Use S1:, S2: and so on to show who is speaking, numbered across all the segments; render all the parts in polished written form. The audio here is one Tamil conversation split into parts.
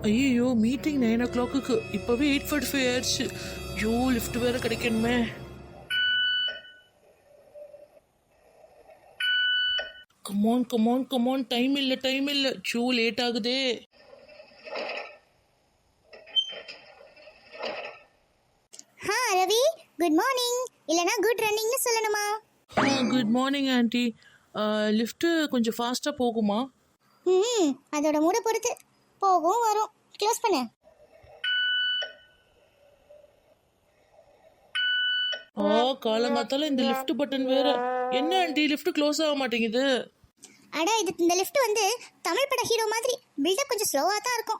S1: ஐயோ மீட்டிங் 9 o'clock. இப்போவே 8:45 ஆயிடுச்சு. ஐயோ லிஃப்ட் வேற கிடைக்கணுமே. கமான் கமான் கமான், டைம் இல்லை. ஐயோ லேட் ஆகுதே.
S2: Ravi, good morning. இல்லனா குட் ரன்னிங்னு சொல்லணுமா?
S1: Good morning aunty. லிஃப்ட்டு கொஞ்சம் ஃபாஸ்ட்டாக போகுமா?
S2: அதோட மூட பொறுத்து போகும் வரும். க்ளோஸ் பண்ணு.
S1: காலங்காத்தால இந்த லிஃப்ட் பட்டன் வேற. என்ன ஆண்டி லிஃப்ட் க்ளோஸ் ஆக மாட்டேங்குது?
S2: அடா, இந்த லிஃப்ட் வந்து தமிழ் பட ஹீரோ மாதிரி பில்டப் கொஞ்சம் ஸ்லோவா தான் இருக்கும்.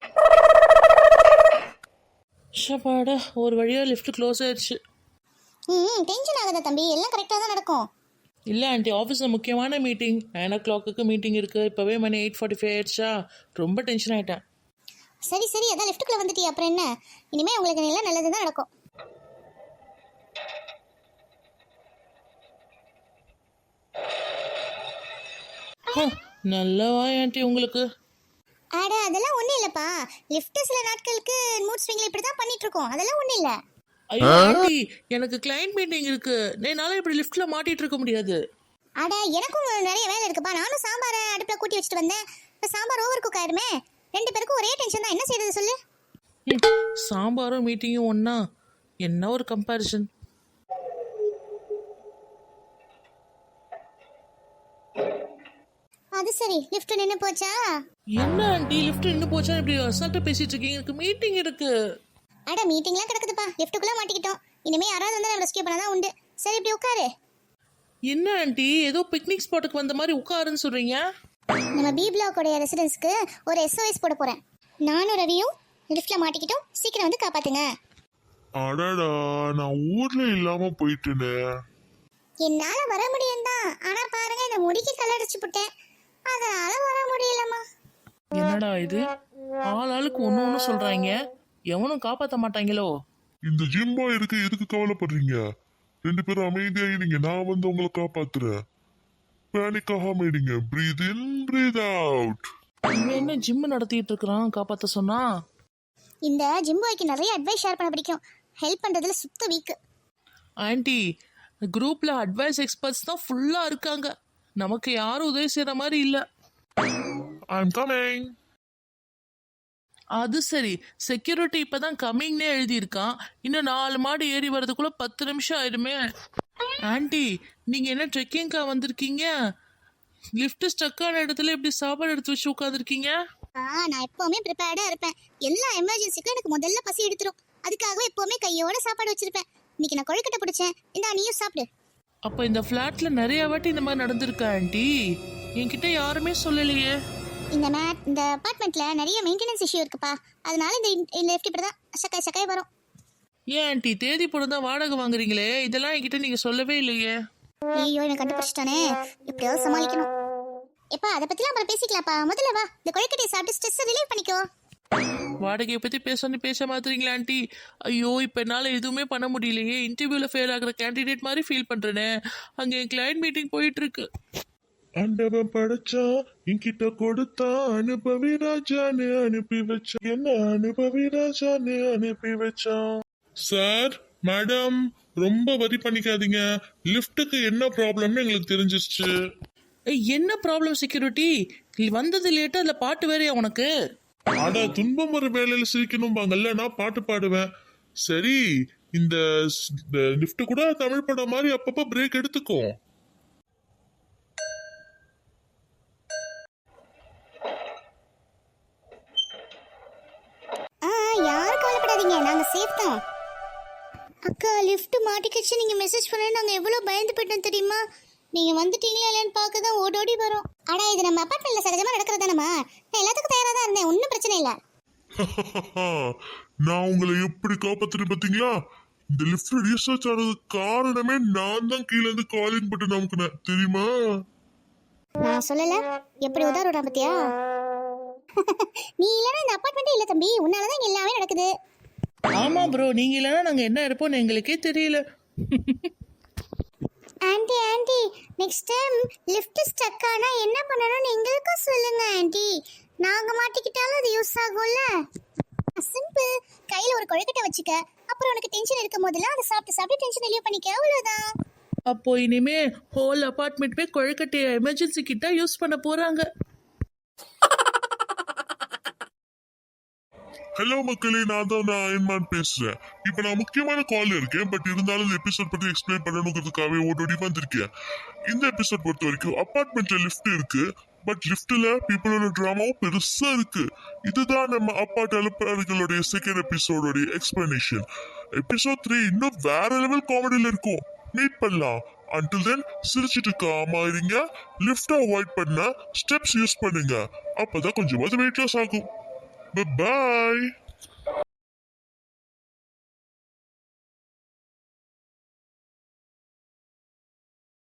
S1: ஷபாடா, ஒரு வழியா லிஃப்ட் க்ளோஸ் ஆயிடுச்சு.
S2: டென்ஷன் ஆகாத தம்பி, எல்லாம் கரெக்டாக தான் நடக்கும்.
S1: இல்லை ஆண்டி, ஆஃபீஸில் முக்கியமான மீட்டிங் 9 o'clock மீட்டிங் இருக்குது. இப்போவே மணி 8:45 ஆயிடுச்சா. ரொம்ப டென்ஷன் ஆகிட்டேன்.
S2: சரி அதான் லிஃப்ட்டுக்குள்ளே வந்துட்டி, அப்புறம் என்ன? இனிமேல் உங்களுக்கு எல்லாம் நல்லது தான் நடக்கும்.
S1: நல்லவா ஆண்டி உங்களுக்கு?
S2: அட அதெல்லாம் ஒன்றும் இல்லைப்பா. லிஃப்ட்டு சில நாட்களுக்கு மூட் ஸ்விங்கில் இப்படி தான் பண்ணிட்டு இருக்கோம். அதெல்லாம் ஒன்றும் இல்லை.
S1: ஐயோ ஆண்டி, எனக்கு கிளைண்ட் மீட்டிங் இருக்கு. என்னால இப்படி லிஃப்ட்ல மாட்டிட்டு இருக்க முடியாது.
S2: அட எனக்கும் நிறைய வேலை இருக்குப்பா. நானும் சாம்பாரை அடுப்பில் கூட்டி வச்சுட்டு வந்தேன். இப்போ சாம்பார் ஓவர் குக் ஆயிருமே. 2 பேருக்கும் ஒரே டென்ஷன் தான். என்ன செய்யறது சொல்லு?
S1: சாம்பாரும் மீட்டிங்கும் ஒன்னா? என்ன ஒரு கம்பேரிசன்.
S2: அது சரி, லிஃப்ட் நின்று போச்சா?
S1: என்ன ஆண்டி லிஃப்ட் நின்று போச்சா இப்படி அசால்ட்டா பேசிட்டு இருக்கீங்க? எனக்கு மீட்டிங் இருக்கு.
S2: அட மீட்டிங்லாம் கிடக்குதுப்பா. லிஃப்ட்டுக்குள்ள மாட்டிக்கிட்டோம். இனிமே யாராவது வந்து நம்ம ரெஸ்கியூ பண்ணாதான் உண்டு. சரி இப்படி உட்காரு.
S1: என்ன ஆண்டி ஏதோ பிக்னிக் ஸ்பாட்டுக்கு வந்த மாதிரி உட்காருன்னு சொல்றீங்க?
S2: நம்ம பி பிளாக்கோடைய ரெசிடென்ஸ்க்கு ஒரு SOS போட போறேன். நானும் ரவியும் லிஃப்ட்ல மாட்டிக்கிட்டோம். சீக்கிரம் வந்து காப்பாத்துங்க.
S3: அடடா, நான் ஊர்ல இல்லாம போயிட்டேனே.
S2: என்னால வர முடியும் தான், ஆனா பாருங்க இந்த முடிக்கு கலடிச்சு போட்டேன். அதனால வர முடியலம்மா.
S1: என்னடா இது, ஆளுக்கு ஒண்ணு சொல்றாங்க. எவனும் காப்பாத்த மாட்டாங்களோ?
S3: இந்த ஜிம்பா இருக்கு, எதுக்கு கவலைப்படுறீங்க? 2 பேரும் அமைதியாயிருங்க, நான் வந்து உங்களை காப்பாத்துறேன். பேனிக் ஆகாம இருங்க. Breathe in breathe out.
S1: இவன் என்ன ஜிம் நடத்திட்டு இருக்கிறான் காப்பாத்த சொன்னா?
S2: இந்த ஜிம்பாய்க்கு நிறைய அட்வைஸ் ஷேர் பண்ண பிடிக்கும். ஹெல்ப் பண்றதுல சுத்த வீக்.
S1: ஆண்டி, குரூப்ல அட்வைஸ் எக்ஸ்பர்ட்ஸ் தான் ஃபுல்லா இருக்காங்க. நமக்கு யாரும் உதவி செய்யற மாதிரி இல்ல.
S3: I'm coming.
S1: அது சரி, செக்யூரிட்டி இப்பதான் கம்மிங்னே எழுதியிருக்கான். இன்னும் 4 மாடி ஏறி வர்றதுக்குள்ள 10 நிமிஷம் ஆயிடுமே. ஆண்டி, நீங்க என்ன ட்ரெக்கிங்கா வந்திருக்கீங்க? லிஃப்ட் ஸ்டக்கான இடத்துல இப்படி சாப்பாடு எடுத்து வச்சு உட்காந்துருக்கீங்க.
S2: நான் எப்பவுமே ப்ரிப்பேர்டா இருப்பேன். எல்லா எமர்ஜென்சிக்கும் எனக்கு முதல்ல பசி எடுத்துரும். அதுக்காகவே எப்பவுமே கையோட சாப்பாடு வச்சிருப்பேன். இன்னைக்கு நான் கொழுக்கட்டை பிடிச்சேன். இந்தா நீயும் சாப்பிடு.
S1: அப்ப இந்த ஃபிளாட்ல நிறைய வாட்டி இந்த மாதிரி நடந்திருக்கா ஆண்டி? என்கிட்ட யாருமே சொல்லலையே.
S2: இந்த அபார்ட்மெண்ட்ல நிறைய மெயின்டெனன்ஸ் இஷ்யூ இருக்குப்பா. அதனால இந்த லிஃப்ட் இப்படிதான் சக்காய் வரும்.
S1: ஏன் ஆண்டி, தேதி போடுதான் வாடகை வாங்குறீங்களே, இதெல்லாம் என்கிட்ட நீங்க சொல்லவே இல்லையே.
S2: ஐயோ, எனக்கு கண்டுபிடிச்சிட்டானே. எப்படியாவது சமாளிக்கணும். எப்பா அதை பத்திலாம் அப்புறம் பேசிக்கலாம்ப்பா. முதல்ல வா, இந்த கொழுக்கட்டையை சாப்பிட்டு ஸ்ட்ரெஸ் ரிலீவ் பண்ணிக்கோ.
S1: வாடகையை பத்தி பேச மாத்துறீங்களா ஆண்டி? ஐயோ, இப்ப என்னால எதுவுமே பண்ண முடியலையே. இன்டர்வியூல ஃபெயில் ஆகுற கேண்டிடேட் மாதிரி ஃபீல் பண்றேனே. அங்க என் கிளைண்ட் மீட்டிங் போயிட்டு இருக்கு.
S3: ஆண்டவன் படைச்சா என்கிட்ட கொடுத்தா, அனுபவி ராஜான்னு அனுப்பி வச்சான். என்ன அனுபவி ராஜான்னு அனுப்பி வச்சான். சார், மேடம், ரொம்ப வரி பண்ணிக்காதீங்க. லிஃப்ட்டுக்கு என்ன ப்ராப்ளம்னு எங்களுக்கு தெரிஞ்சிருச்சு.
S1: என்ன ப்ராப்ளம் செக்யூரிட்டி? வந்தது லேட்டா, அதுல பாட்டு வேறையா உனக்கு?
S3: அட, துன்பம் ஒரு வேலையில சிரிக்கணும்பாங்கல்ல, நான் பாட்டு பாடுவேன். சரி, இந்த லிஃப்ட் கூட தமிழ் படம் மாதிரி அப்பப்ப பிரேக் எடுத்துக்கும்.
S2: யாரும் கவலைப்படாதீங்க, நாங்க சேஃப் தான். அக்கா, லிஃப்ட் மாட்டிக்கிச்சு. நீங்க மெசேஜ் பண்ண நாங்க எவ்வளவு பயந்து போயிட்டோம் தெரியுமா? நீங்க வந்துட்டீங்களா இல்லையான்னு பார்க்க தான் ஓடோடி வரோம். ஆனா இது நம்ம அபார்ட்மெண்ட்ல சகஜமா நடக்கிறதானமா? நான் எல்லாத்துக்கும் தயாரா தான் இருந்தேன். ஒன்றும் பிரச்சனை இல்லை.
S3: நான் உங்களை எப்படி காப்பாத்துறேன் பாத்தீங்களா? இந்த லிஃப்ட் ரீசர்ச் ஆனதுக்கு காரணமே நான் தான் கீழே இருந்து காலிங் பட்டன் அமுக்குனேன், தெரியுமா?
S2: நான் சொல்லல, எப்படி உதாரணம் பத்தியா? நீ இல்லைன்னா இந்த அபார்ட்மெண்ட்டே இல்லை தம்பி. உன்னாலதான் எல்லாமே நடக்குது.
S1: ஆமா ப்ரோ, நீங்க இல்லைன்னா நாங்க என்ன இருப்போம்னு எங்களுக்கே தெரியல.
S2: Aunty next time lift stuck ஆனா என்ன பண்ணணும்னு எங்களுக்கும் சொல்லுங்க ஆண்டி. நாங்க மாட்டிக்கிட்டாலும் அது யூஸ் ஆகும்ல. சிம்பிள். கையில ஒரு கொழுக்கட்டை வச்சுக்க, அப்புறம் உனக்கு டென்ஷன் இருக்கும் போதெல்லாம் அதை சாப்பிட்டு சாப்பிட்டு டென்ஷன் ரிலீவ் பண்ணிக்க, அவ்வளவுதான்.
S1: அப்போ இனிமே ஹோல் அபார்ட்மெண்ட்மே கொழுக்கட்டையை எமர்ஜென்சி கிட்ட யூஸ் பண்ண போறாங்க.
S3: ஹலோ மக்களே, நான் அயன்மான் பேசுறேன். இப்போ நான் முக்கியமான கால் இருக்கேன், பட் இருந்தாலும் இந்த எபிசோட் பத்தி எக்ஸ்பிளைன் பண்ணணுங்கிறதுக்காகவே ஓடோடி வந்திருக்கேன். இந்த எபிசோட் பொறுத்த வரைக்கும் அபார்ட்மெண்ட்ல லிஃப்ட் இருக்கு, பட் லிஃப்ட்ல பீப்புளோட டிராமாவும் பெருசா இருக்கு. இதுதான் நம்ம அப்பார்ட் அலுப்பர்களுடைய செகண்ட் எபிசோடோட எக்ஸ்பிளனேஷன். எபிசோட் 3 இன்னும் வேற லெவல் காமெடியில இருக்கும். மீட் பண்ணலாம். Until then, சிரிச்சிட்டு காமா இருங்க. லிஃப்ட் அவாய்ட் பண்ண ஸ்டெப்ஸ் யூஸ் பண்ணுங்க. அப்பதான் கொஞ்சமாவது வெயிட் லாஸ் ஆகும். Bye bye.